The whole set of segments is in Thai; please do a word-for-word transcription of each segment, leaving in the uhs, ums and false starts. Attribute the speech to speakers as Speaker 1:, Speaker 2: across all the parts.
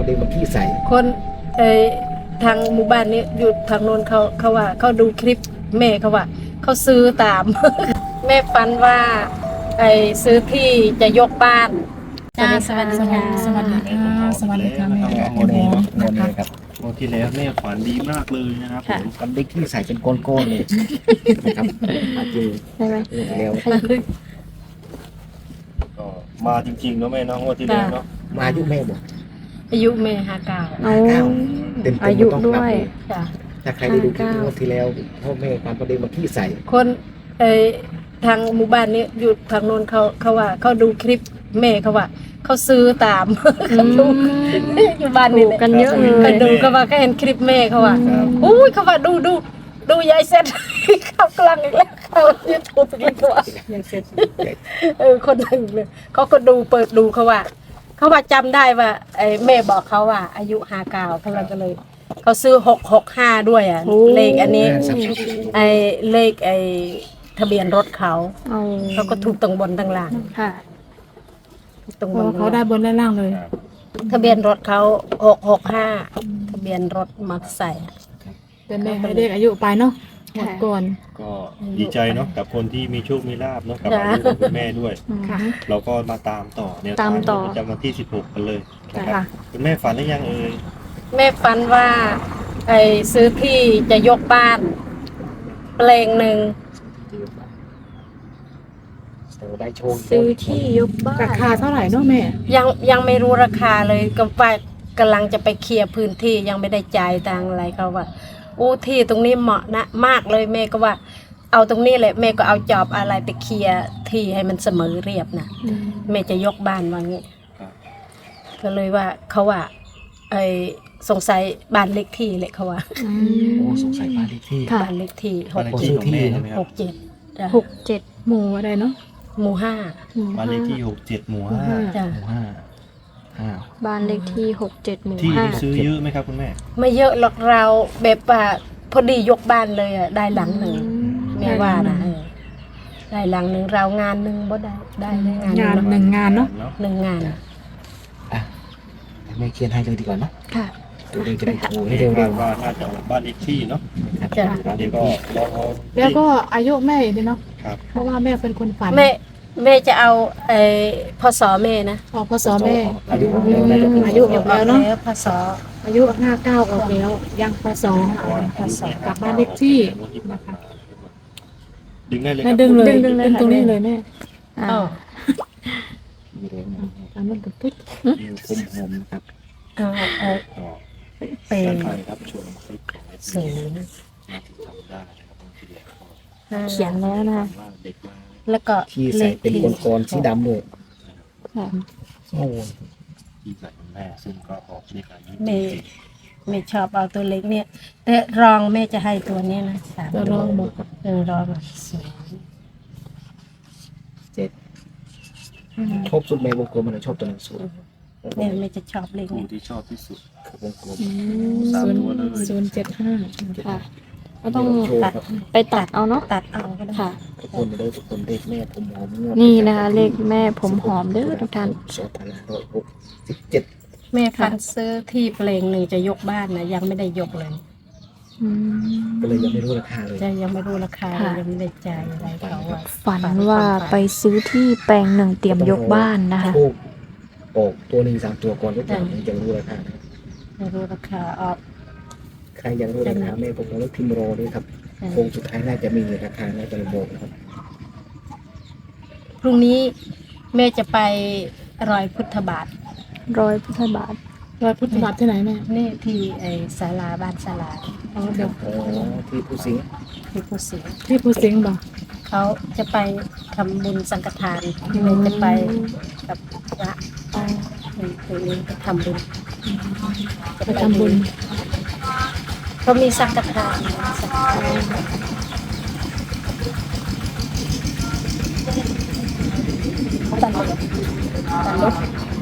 Speaker 1: ด็นมาขี้ใส่
Speaker 2: คนเออทางหมู่บ้านนี้อยู่ทางโน้นเขาเขาว่าเขาดูคลิปแม่เขาว่าเขาซื้อตาม แม่ฝันว่าไอ้ซื้อที่จะยกบ้านจ้าสวัสดีค่ะ
Speaker 3: สวัสดีค่ะสวัสดีค่ะแม่
Speaker 1: โมเดลโมเดลครับ
Speaker 4: วันที่แล้วแม่ฝันดีมากเลยนะครับผม
Speaker 1: ทำได้ขี้ใส่เป็นก้อนๆเลยนะครับมาจริง
Speaker 3: ใช่ไหม
Speaker 1: แล้ว
Speaker 4: ก็มาจริงๆเนาะแม่เนาะงวดที่แล้วเนาะ
Speaker 1: มาอายุแม่บอก
Speaker 2: อายุแม่ห้าเก้า
Speaker 3: เอา
Speaker 1: เก้าเต็มๆ
Speaker 3: อายุ
Speaker 1: ต้อง
Speaker 3: ด้
Speaker 1: นับ
Speaker 3: วย
Speaker 1: เลย
Speaker 2: จ้ะ
Speaker 1: ถ้าใครได้ดูคลิป
Speaker 3: ห้าเก้า
Speaker 1: งวดที่แล้วพ่อแม่ความประเด็นมาขี้ใส่
Speaker 2: คนเออทางหมู่บ้านนี้อยู่ทางโน้นเขาเขาว่าเขาดูคลิปแม่เขาว่าเขาซื้อตาม เขาดูอยู่บ้าน
Speaker 3: ถู
Speaker 2: นี่
Speaker 3: ก
Speaker 2: แหละ
Speaker 3: กันเยอะเล
Speaker 2: ก็
Speaker 3: ย
Speaker 2: ดูเขาว่าก็เห็นคลิปแม่เขาว่าอุ้ยเขาว่าดูดูดูยายเสร็จ เข้ากลางอีกแล้วเขายูทูบอีกแล้วเขาว่ายายเสร็จเออคนหนึ่งเลยเขาก็ดูเปิดดูเขาว่าเขาว่าจำได้ว่าไอ้แม่บอกเขาว่า อายุห้าเก้าเขาเลยก็เลยเขาซื้อหกหกห้าด้วยอ่ะ
Speaker 3: โอ้
Speaker 2: เลขอันนี้
Speaker 1: สับสน
Speaker 2: ไอ้เลขไอ้ทะเบียนรถเขา
Speaker 3: เอา
Speaker 2: เขาก็ถูกตรงบนตรงล่าง
Speaker 3: ค่ะ
Speaker 2: ถูกตรง
Speaker 5: เพ
Speaker 2: บน
Speaker 5: ราะว่าเขาได้บนและล่างเลย
Speaker 2: ทะเบียนรถเขาหกหกห้าทะเบียนรถมอเตอร์ไซค์
Speaker 5: แต่แม่ให้เด็กอายุไปเนาะหมดก่อน
Speaker 4: ก็ดีใจเนาะกับคนที่มีโชคมีลาภเนาะกับอายุของคุณแม่ด้วย
Speaker 5: ค่ะ
Speaker 4: เราก็มาตามต่อเนี่ย
Speaker 3: ตามต่อ
Speaker 4: ประจำวันที่สิบหกกันเลยนะค
Speaker 5: ค่ะ
Speaker 4: รับคุณแม่ฝันหรือยังเอ่ย
Speaker 2: แม่ฝันว่าไอ้ซื้อที่จะยกบ้านเปลงหนึ่ง
Speaker 1: เออได้โชว์
Speaker 3: ซื้อที่ยกบ้า
Speaker 5: ราคาน เท่าไหร่เนาะแม่
Speaker 2: ยังยังไม่รู้ราคาเลยก็ว่ากำลังจะไปเคลียร์พื้นที่ยังไม่ได้จ่ายตังค์อะไรเขาว่าโอ้ที่ตรงนี้เหมาะนะมากเลยแม่ก็ว่า เอาตรงนี้แหละแม่ก็เอาจอบอะไรไปเคลียร์ที่ให้มันเสมอเรียบนะแม่จะยกบ้านว่างี้
Speaker 4: ครับ
Speaker 2: ก็เลยว่าเขาว่าไอ้สงสัยบ้านเล็กที่เลยเขาว่า
Speaker 3: อื
Speaker 1: โอ้
Speaker 3: ม
Speaker 1: สงสัยบ้านเลขที่
Speaker 3: ค่ะ
Speaker 2: บ้านเล็กที่ห
Speaker 4: บ้าน
Speaker 2: ก
Speaker 4: เลขที่ของแม่ใช่ไหมค
Speaker 2: ห
Speaker 4: รับ
Speaker 2: กเจ็ดจ้ะ
Speaker 3: หกเจ็ด
Speaker 5: หมู่อะไรเนาะ
Speaker 2: หมู่ห้า
Speaker 4: บ้านเลขที่หกเจ็ดหมู่ห้า
Speaker 2: จ้ะ
Speaker 1: หมู่ห้าห้า
Speaker 3: บ้านเลขที่หกเจ็ดหมู่
Speaker 4: ที่
Speaker 3: ห้า
Speaker 4: ที่ซื้อเยอะไหมครับคุณแม่
Speaker 2: ไม่เยอะหรอกเราแบบว่าพอดียกบ้านเลยอ่ะได้หลังหนึ่งแม่ว่านะเออได้หลังหนึ่งเรางานหนึ่งบ่ได้ได้เลยงาน
Speaker 5: งาน
Speaker 2: หนึ่ง
Speaker 5: หนึ่งงานเนาะ
Speaker 2: หนึ่งงาน
Speaker 1: อ่ะแม่เขียนให้เลยดีกว่าเนาะ
Speaker 3: ค่ะ
Speaker 1: ตัวเองจะได้โชว์ให้
Speaker 4: เห็
Speaker 1: เร็
Speaker 4: น
Speaker 1: ว
Speaker 4: ว่าน่าจะออกบ้านเลขที่เนาะ
Speaker 1: ๆ
Speaker 2: จ้ะ
Speaker 4: เดี๋ยวก็ลองเอา
Speaker 5: แล้วก็อายุแม่อีกเนาะ
Speaker 4: ครับ
Speaker 5: เพราะว่าแม่เป็นคนฝัน
Speaker 2: แม่แม่จะเอาไอ้พศแม่นะ
Speaker 5: ออกพศแม่
Speaker 1: อายุแล้วน่าจะเป็น
Speaker 5: อายุออกแล้วเนาะ
Speaker 2: พศ
Speaker 5: อายุห้าเก้าออกแล้วยังพศ
Speaker 2: พศ
Speaker 5: กลับบ้านเลขที่นะคะ
Speaker 4: ดึงได้เลยค
Speaker 5: แม่
Speaker 4: รับ
Speaker 5: ดึงเลย
Speaker 3: ดึงดึงเลย
Speaker 5: ดึง
Speaker 3: ค่ะ
Speaker 5: ตรงนี้เลยแม่
Speaker 3: อ่า
Speaker 2: อ๋อ
Speaker 1: มีเร็วนะ
Speaker 5: ตามนั้นกับปุ๊บ
Speaker 1: มีคมหอมนะครับ
Speaker 2: เอาเอา
Speaker 4: ก็
Speaker 2: เป็
Speaker 4: ด้าน
Speaker 2: น
Speaker 4: ไปครับชมคลิปของเอฟ
Speaker 2: ศู
Speaker 4: ซี
Speaker 2: นย์
Speaker 4: น่าจะทำได้นะครับบางทีแล้วก็
Speaker 2: ห้า
Speaker 3: เขียนแล้วนะคะ
Speaker 4: ว่าเด็กมา
Speaker 2: แล้วก็
Speaker 1: ที่ใส่เป็นก้อนๆสีดำเลย
Speaker 3: ค่ะ
Speaker 1: โอ้
Speaker 4: ที่ใส่คุณแม่ซึ่งก็ออกเลขอายุ
Speaker 2: แม่แม่ชอบเอาตัวเล็กเนี่ย แต่รองแม่จะให้ตัวนี้นะสาม
Speaker 5: ตัวรองบอก
Speaker 2: เออรองศูนย์
Speaker 5: เจ็ด
Speaker 1: ชอบสุดแม่วงกลมมันชอบตัวหนังสือ
Speaker 2: แม่แม่จะชอบเล็ก
Speaker 4: คู่
Speaker 2: เนี่ย
Speaker 4: ที่ชอบที่สุด
Speaker 1: วงกลม
Speaker 4: สาม
Speaker 5: ศูนย์
Speaker 4: ตัวเลย
Speaker 5: ศูนย์เจ็ดห้า
Speaker 3: ค่ะ ก็ต้อง
Speaker 1: โชว์ครับ
Speaker 3: ไปตัดเอาเนาะ
Speaker 2: ตัดเอาก็ได้
Speaker 3: ค่ะ
Speaker 1: ทุกคนเด้อทุกคนเด็กแม่ผมหอมงวด
Speaker 3: นี่นะคะเลขแม่ผมหอมเด้อทุกท่าน
Speaker 1: สองพันห้าร้อยหกสิบเจ็ด
Speaker 2: แม่ฟันซื้อที่เพลงหนึ่งจะยกบ้านนะยังไม่ได้ยกเลย
Speaker 3: อืม
Speaker 1: ก็เลยยังไม่รู้ราคาเลย
Speaker 2: จะยังไม่รู้ราคา
Speaker 3: ค่ะ
Speaker 2: ยังไม่ได้จ่ายอะไรเขาอะ
Speaker 3: ฝันว่าไปซื้อที่แปลงหนึ่งเตรียมยกบ้านนะคะ
Speaker 1: ทูบออกตัวหนึ่งสามตัวก่อนทุกคนถึงจะรู้ราคานะ
Speaker 2: ไม่รู้ราคาออก
Speaker 1: ใครยังรู้ราคาแม่ผมแล้วพิมพ์รอด้วยครับโค้งสุดท้ายน่าจะมีราคาน่าจะบอกนะครับ
Speaker 2: พรุ่งนี้แม่จะไปรอยพุทธบาท
Speaker 3: ร้อยพุทธบาท
Speaker 5: รอยพุทธบาทที่ไหนแม่
Speaker 2: นี่ที่ไอ้ศาลาบ้านศาลา
Speaker 5: อ๋อเดี๋ยว
Speaker 1: อ๋อที่ผู้สิงห์
Speaker 2: ที่ผู้เสีย
Speaker 5: ที่ภูสิงห์บอก
Speaker 2: เขาจะไปทำบุญสังฆทานแม่จะไปกับพระตัวนี้ไปทำบุญ
Speaker 5: ไปทำบุญ
Speaker 2: เขามีสังฆทานสังฆทานตันรถตันรถ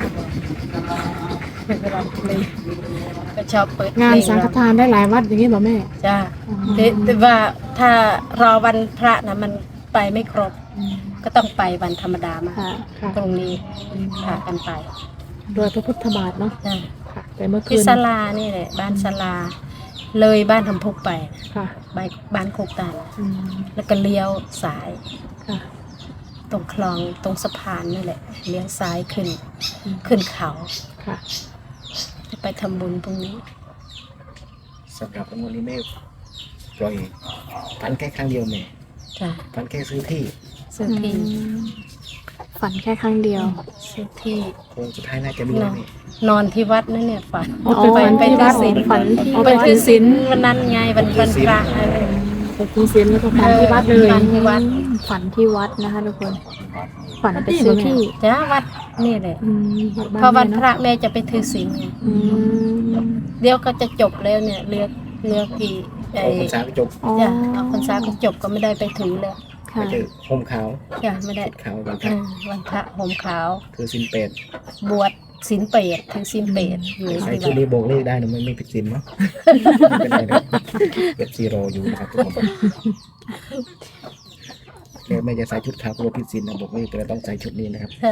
Speaker 2: เป็นเวลาเลยก็ชอบเปิด
Speaker 5: งาน
Speaker 2: เพล
Speaker 5: สังฆทานได้หลายวัดอย่างนี้บอกแม่
Speaker 2: จ้าแต่แต่ว่าถ้ารอวันพระนะมันไปไม่ครบ ก็ต้องไปวันธรรมดามา
Speaker 3: ค่ะ
Speaker 5: ค่ะ
Speaker 2: ตรงนี้พากันไป
Speaker 5: โดยพระพุทธบาทเนาะ
Speaker 2: จ้า
Speaker 5: ค่ะแต่เมื่อคื
Speaker 2: ที่
Speaker 5: น
Speaker 2: ศาลานี่แหละบ้านศาลาเลยบ้านทำพุกไป
Speaker 5: ค่ะ
Speaker 2: บ้านบ้านโคกตาล
Speaker 5: อืม
Speaker 2: แล้วก็เลี้ยวสาย
Speaker 5: ค่ะ
Speaker 2: ตรงคลองตรงสะพานนี่แหละเลี้ยวซ้ายขึ้นขึ้นเขา
Speaker 5: ค่ะ
Speaker 2: จะไปทำบุญตรงนี้
Speaker 1: สำหรับวันนี้แม่ปล่อยฝันแค่ครั้งเดียวแม่
Speaker 2: จ้ะ
Speaker 1: ฝันแค่ซื้อที่
Speaker 2: ซื้อที่
Speaker 3: ฝันแค่ครั้งเดียว
Speaker 2: ซื้อที่
Speaker 1: โค้งสุดท้ายน่าจะมี
Speaker 2: น
Speaker 1: แล้
Speaker 2: อ
Speaker 1: วน แม่
Speaker 2: นอนที่วัดนั่นเนี่ยฝัน
Speaker 5: อ๋อ
Speaker 2: ไป
Speaker 5: ฝัน
Speaker 2: ไป
Speaker 5: ที่
Speaker 2: ที่
Speaker 5: วัด
Speaker 2: ศีล
Speaker 3: ฝันที่
Speaker 2: ไปที่ศีลวันนั้นไงวันวันพระเออ
Speaker 5: ไปกินเสียงแล้วก็ฝันที่วัดเลย
Speaker 2: ฝันที่วัด
Speaker 3: ฝันที่วัดนะคะทุกคน ฝันไปซื้อที่
Speaker 2: จ้ะวัดนี่แหละ
Speaker 5: อืม
Speaker 2: พอวันพ
Speaker 5: แม่
Speaker 2: ระแม่จะไปถือศีลไง
Speaker 3: อืม
Speaker 2: เดี๋ยวก็จะจบแล้วเนี่ยเลือกเลือกกี่ไอ้
Speaker 1: ออกพรรษาไปจบ
Speaker 3: อ๋อ
Speaker 2: จ้ะเอาพรรษาก็จบก็ไม่ได้ไปถือแล้ว
Speaker 1: ไป
Speaker 3: ค่ะ
Speaker 1: เจอห่มขาว
Speaker 2: จ้ะไม่ได้
Speaker 1: ชุดขาววันพ
Speaker 2: เอ
Speaker 1: ระ
Speaker 2: อวันพระห่มขาว
Speaker 1: คือสินเป็ด
Speaker 2: บวชศีลเปรตถือศีลเปรตอยู่
Speaker 1: ใส่
Speaker 2: ที่
Speaker 1: ชุด
Speaker 2: วัด
Speaker 1: นี้โบกเลขได้นะไม่ไม่ผิดศีลเนาะไม่เป็นไรนะเก็บซีโรอยู่นะครับทุกคนแกไม่จะใส่ชุดขาวกลัวผิดศีลนะโบกเลขก็เลยต้องใส่ชุดนี้นะครับ
Speaker 2: ค่ะ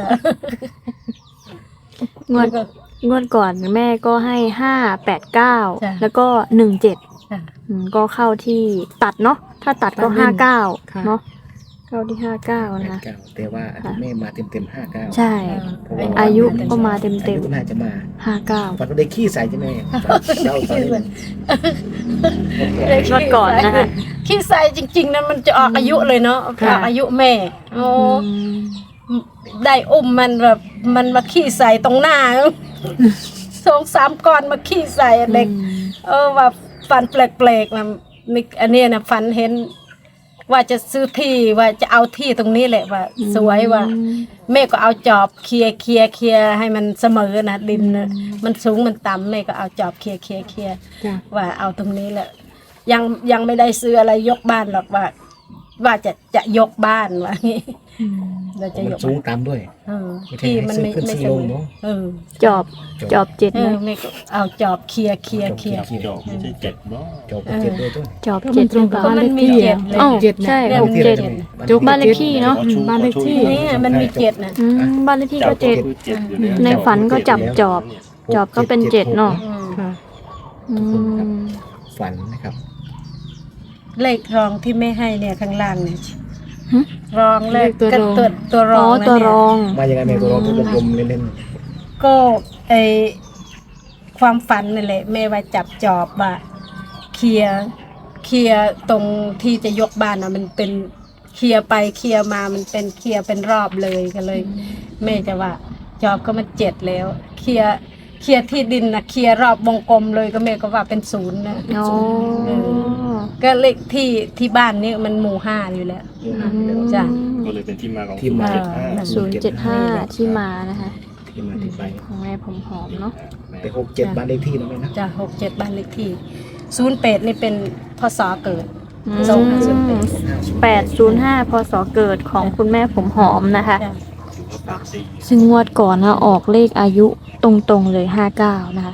Speaker 3: งวดงวดก่อนแม่ก็ให้ห้าแปดเก้าแล้วก็หนึ่งเจ็ด
Speaker 2: จ้ะ
Speaker 3: ก็เข้าที่ตัดเนาะถ้าตัดก็
Speaker 5: ตัดเล่
Speaker 3: ห้าน เก้า
Speaker 5: ค่ะ
Speaker 3: เนาะเข้าที่ห้าเก้า
Speaker 1: แปด
Speaker 3: นะคะ
Speaker 1: เก้าแต่ว่าแม่มาเต็มเต็มห้าเก้า
Speaker 3: ใช่ อายุก็มาเต็ม
Speaker 1: อา
Speaker 3: เต็ม
Speaker 1: ยุน่าจะมา
Speaker 3: ห้าเก้า
Speaker 1: ฝันว่าได้ขี้ใส่ใช่ไหมเล่าตอนนี้
Speaker 3: งวดก่อนนะคะ
Speaker 2: ขี้ใส่จริงๆนั้นมันจะออกอายุเลยเนาะอ
Speaker 3: ค่ะ
Speaker 2: อกอายุแม่โอ้
Speaker 3: อืม
Speaker 2: ได้อุ้มมันแบบมันมาขี้ใส่ตรงหน้าสองสามก้อนมาขี้ใส่เด็ก เออว่าฝันแปลกๆนะนี่อันเนี้ยนะฝันเห็น ว่าจะซื้อที่ว่าจะเอาที่ตรงนี้แหละว่า สวยว่า แม่ก็เอาจอบเคลียร์เคลียร์เคลียร์ให้มันเสมอนะดินนะมันสูงมันต่ำแม่ก็เอาจอบเคลียร์เคลียร์เคลียร์
Speaker 5: จ้ะ
Speaker 2: ว่าเอาตรงนี้แหละ ยังยังไม่ได้ซื้ออะไรยกบ้านหรอกว่า ว่าจะจะยกบ้านว่างี้
Speaker 5: อืม
Speaker 2: เราจะ
Speaker 1: มัน
Speaker 2: ยก
Speaker 1: สูงตามด้วย
Speaker 2: เออ
Speaker 1: ไม่ใช่
Speaker 2: ที่มันไม่
Speaker 1: ให้ซื้อขึ้น
Speaker 2: ไม่
Speaker 1: ซื้
Speaker 2: เส
Speaker 1: อ
Speaker 2: ม
Speaker 1: ลง
Speaker 2: อ
Speaker 1: เนอะ
Speaker 2: เออ
Speaker 3: จอบจอบเจ็ด
Speaker 2: เออ
Speaker 3: นะ
Speaker 2: แม่ก็เอาจอบเคลียร์เคลียร์เคลียร์
Speaker 1: เคลียร์
Speaker 4: จบไม่ใช่เจ็ดเนาะ
Speaker 1: จบเจ็ดด้วยด้วย
Speaker 3: จอบ
Speaker 5: ก็
Speaker 3: เจ็
Speaker 5: มั
Speaker 3: ด
Speaker 5: นตรงกับ
Speaker 2: ก็
Speaker 5: บ้าน
Speaker 2: มั
Speaker 5: เล
Speaker 2: น
Speaker 5: ข
Speaker 2: มี
Speaker 5: ที่
Speaker 2: เจ็
Speaker 5: อ่ะ
Speaker 2: ดเลย
Speaker 3: อ้าว
Speaker 5: เจ็ดนะ
Speaker 3: ใช่
Speaker 2: เรื่อง
Speaker 3: หกเจ็ด
Speaker 5: จบ
Speaker 3: บ้านเลขที่เนาะ
Speaker 5: อืมบ้านเลขที่
Speaker 2: นี่มันมีเจ็ดนะ
Speaker 3: อืมบ้านเลขที่ก็เจ็ด
Speaker 4: คือเจ็ดอยู่แล้ว
Speaker 3: ในฝันก็จับจอบ จอบก็เป็นเจ็ดเนาะ
Speaker 2: อืม
Speaker 5: ค่ะ
Speaker 3: อืม
Speaker 1: ฝันนะครับ
Speaker 2: เลขรองที่ไม่ให้เนี่ยข้างล่างเนี่ย
Speaker 3: หึ
Speaker 2: รองเลข
Speaker 5: เลขตัวรอง
Speaker 2: ก็ตัวตัวร
Speaker 3: อ๋
Speaker 2: อ
Speaker 3: อง
Speaker 2: นะ
Speaker 3: ตัว
Speaker 2: เนี่ย
Speaker 3: รอง
Speaker 1: มายังไงแม่ตัวร้องทุกกลมๆเล่น
Speaker 2: ก็ไอความฝันนี่แหละแม่ว่าจับจอบว่าเคลียร์เคลียร์ตรงที่จะยกบ้านอ่ะมันเป็นเคลียร์ไปเคลียร์มามันเป็นเคลียร์เป็นรอบเลยก็เลย แม่จะว่าจอบก็มันเจ็ดแล้วเคลียร์เคลียร์ที่ดินนะเคลียร์รอบวงกลมเลยก็แม่ก็ว่าเป็นศูนย์นะ
Speaker 3: อ๋อ
Speaker 2: ก็เลขที่ที่บ้านนี่มันหมู่ห้าอยู่แล้ว
Speaker 1: ๆอยู่ห่างไปแล้ว
Speaker 2: จ้ะ
Speaker 4: ก็เลยเป็นที่มาของ
Speaker 1: ที่มา
Speaker 4: เจ็ดห้า
Speaker 2: อ่า
Speaker 3: ศูนย์เจ็ดห้าที่มานะคะ
Speaker 1: ที่มาที่ไป
Speaker 3: ของแม่ผมหอมเนาะ
Speaker 1: แต่หกเจ็ดบ้านเลขที่นะแม่นะ
Speaker 2: จ้ะหกเจ็ดบ้านเลขที่ศูนย์แปดนี่เป็นพศเกิด
Speaker 3: อื
Speaker 2: สองห้าศูนย์
Speaker 3: ม
Speaker 2: แปด
Speaker 3: แปดศูนย์ห้าพศเกิดของคุณแม่ผมหอมนะคะ
Speaker 2: จ้ะ
Speaker 4: ถือว่าแปดสี่
Speaker 3: ซึ่งงวดก่อนนะออกเลขอายุตรงๆเลยห้าเก้านะคะ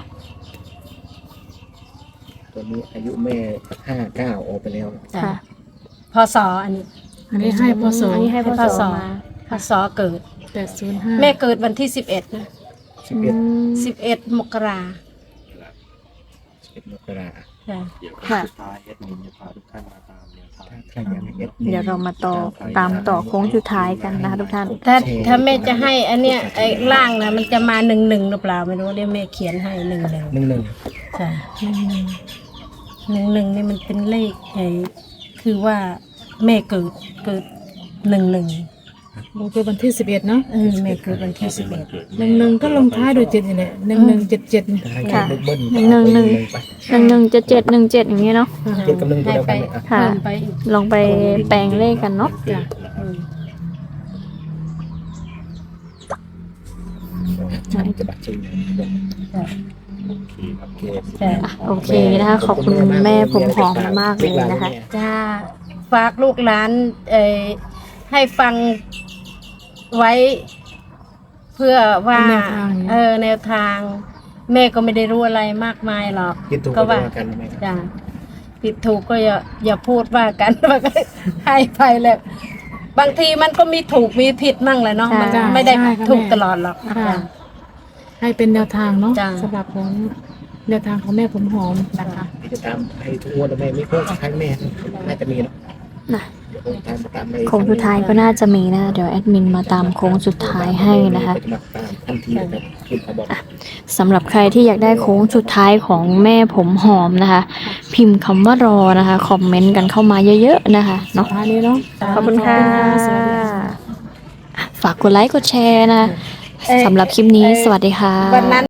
Speaker 1: ตัวนี้อายุแม่ห้าเก้าออกไปแล้ว
Speaker 2: จ้ะ
Speaker 3: ค่ะ
Speaker 2: พศอันนี้
Speaker 5: อันนี้ให้พศ
Speaker 3: อันนี้ให้พ
Speaker 2: พ
Speaker 3: ศ
Speaker 2: ศ
Speaker 3: มา
Speaker 2: พศเกิด
Speaker 5: แปดศูนย์ห้า
Speaker 2: แม่เกิดวันที่สิบเอ็ดนะ
Speaker 1: สิบเอ็ด
Speaker 2: สิบเอ็ดมกรา
Speaker 1: สิบเอ็ดมกรา
Speaker 2: จ้ะ
Speaker 4: เดี๋ยว
Speaker 3: ค่ะ
Speaker 4: สุดท้ายเอ็ดมินจะพาทุกท่านมาตามแนวทาง
Speaker 1: ถ้าใครอยากให้เอส
Speaker 3: เดี๋ยวเรามาต่อตามต่อโค้งสุดท้ายกันนะคะทุกท่าน
Speaker 2: ถ้าถ้าแม่จะให้อันเนี้ยไอ้ล่างนะมันจะมาหนึ่งหนึ่งหรือเปล่าไม่รู้เดี๋ยวแม่เขียนให้หนึ่งหนึ่ง
Speaker 1: หนึ่งหนึ่ง
Speaker 2: จ้ะหนึ่งหนึ่งหนึ่งนี่มันเป็นเลขไอ้คือว่าแม่เกิดเกิดหนึ่งหนึ่ง
Speaker 5: ลงตัววันที่สิบเอ็ดเนาะ
Speaker 2: เออแม่เกิดวันที่สิบเอ็ด
Speaker 5: หนึ่งหนึ่งก็ลงท้ายด้วยเจ็ดนี่แหละหนึ่งหนึ่งเจ็ดเจ็ด
Speaker 1: ถ้าให้
Speaker 3: ค่ะ
Speaker 1: เบิ้ลเบิ้ล
Speaker 3: หนึ่งหนึ่ง
Speaker 1: ไป
Speaker 3: หนึ่งหนึ่งเจ็ดเจ็ดหนึ่งเจ็ดอย่างนี้เนาะ
Speaker 1: เจ็ดกับหนึ่งตัว
Speaker 2: ให้
Speaker 1: เดียว
Speaker 2: ไป
Speaker 1: กันเลยอ่ะ
Speaker 3: ค่ะ
Speaker 2: เพิ่มไปอีก
Speaker 3: ลองไปแปลงเลขกันเนาะ
Speaker 5: จ้ะ
Speaker 2: อืม
Speaker 1: ฉันจะบัตรจริง
Speaker 2: จ้ะ
Speaker 4: โอเคครับ
Speaker 1: โอเค
Speaker 2: จ้ะ
Speaker 3: โอเคนะคะ ขอบคุณแม่ผมหอมมากเลยนะคะ
Speaker 2: จ้าฝากลูกหลานเอ่อให้ฟังไว้ เพื่อว่า
Speaker 5: เป็นแนวทาง
Speaker 2: เออแนวทาง แม่ก็ไม่ได้รู้อะไรมากมายหรอก
Speaker 1: คิดถูก
Speaker 2: ก็
Speaker 1: ก็
Speaker 2: ว่า
Speaker 1: ว่ากันไหมครับ
Speaker 2: จ้าผิดถูกก็อย่าอย่าพูดว่ากัน ว่าก็ให้ไปแล้วบางทีมันก็มีถูกมีผิดมั่งแหละเนาะ
Speaker 3: ใช่
Speaker 2: มันไม่ได้
Speaker 5: ใช่ค่ะ
Speaker 2: ถูก
Speaker 5: แม่
Speaker 2: ตลอดหรอก
Speaker 5: ค่ะ
Speaker 2: จ้ะ
Speaker 5: ให้เป็นแนวทางเนาะ
Speaker 2: จ้ะ
Speaker 5: สำหรับของแนวทางของแม่ผมหอมนะคะ
Speaker 1: ที่จะตามให้ทุกงวดนะแม่ไม่โค้งสุดท้ายแม่น่าจะมีเนาะ
Speaker 3: น่ะ
Speaker 1: เดี๋ยวโค้งสุดท้ายมาตามใน
Speaker 3: โค้งสุดท้ายก็น่าจะมีนะเดี๋ยวแอดมินมาตามโค้งสุดท้ายให้นะคะ
Speaker 1: จมาตามทันทีนะครับคุณเขาบอก
Speaker 3: สำหรับใครที่อยากได้โค้งสุดท้ายของแม่ผมหอมนะคะ พิมพ์คำว่ารอนะคะคอมเมนต์กันเข้ามาเยอะๆนะคะเนาะ
Speaker 5: ท้ายนี้เนาะ
Speaker 3: ขอบคุณค่ะ
Speaker 5: สวัสดีค่ะ
Speaker 3: ฝากกดไลค์กดแชร์นะสำหรับคลิปนี้สวัสดีค่ะ
Speaker 2: วันนั้น